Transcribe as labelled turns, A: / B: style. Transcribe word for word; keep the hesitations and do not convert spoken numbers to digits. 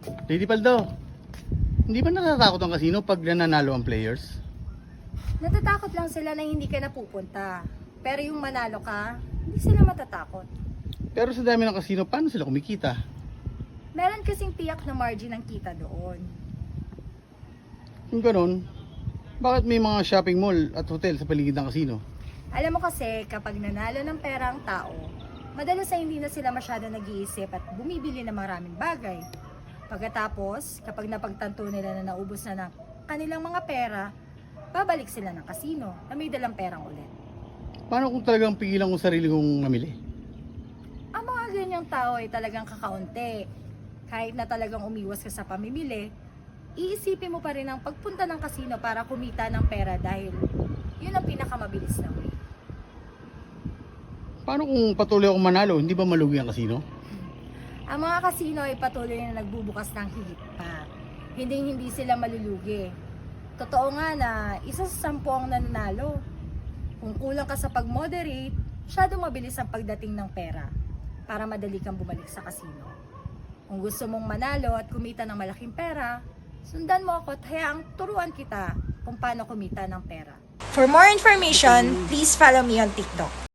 A: Lady Paldo, hindi ba natatakot ang casino pag nananalo ang players?
B: Natatakot lang sila na hindi ka napupunta. Pero yung manalo ka, hindi sila matatakot.
A: Pero sa dami ng casino, paano sila kumikita?
B: Meron kasing tiyak na margin ang kita doon.
A: Kung ganun, bakit may mga shopping mall at hotel sa paligid ng casino?
B: Alam mo kasi, kapag nanalo ng pera ang tao, madalas ay hindi na sila masyado nag-iisip at bumibili ng maraming bagay. Pagkatapos, kapag napagtanto nila na naubos na ng kanilang mga pera, babalik sila ng casino na may dalang perang ulit.
A: Paano kung talagang pigilan ko sarili kong mamili?
B: Ang mga ganyang tao ay talagang kakaunti. Kahit na talagang umiwas ka sa pamimili, iisipin mo pa rin ang pagpunta ng casino para kumita ng pera dahil yun ang pinakamabilis na way.
A: Paano kung patuloy akong manalo, hindi ba malugi ang casino?
B: Ang mga casino ay patuloy na nagbubukas ng higit pa. Hindi hindi sila malulugi. Totoo nga na isa sa sampu ang nananalo. Kung kulang ka sa pag-moderate, masyadong mabilis ang pagdating ng pera para madali kang bumalik sa casino. Kung gusto mong manalo at kumita ng malaking pera, sundan mo ako at hayaang turuan kita kung paano kumita ng pera.
C: For more information, please follow me on TikTok.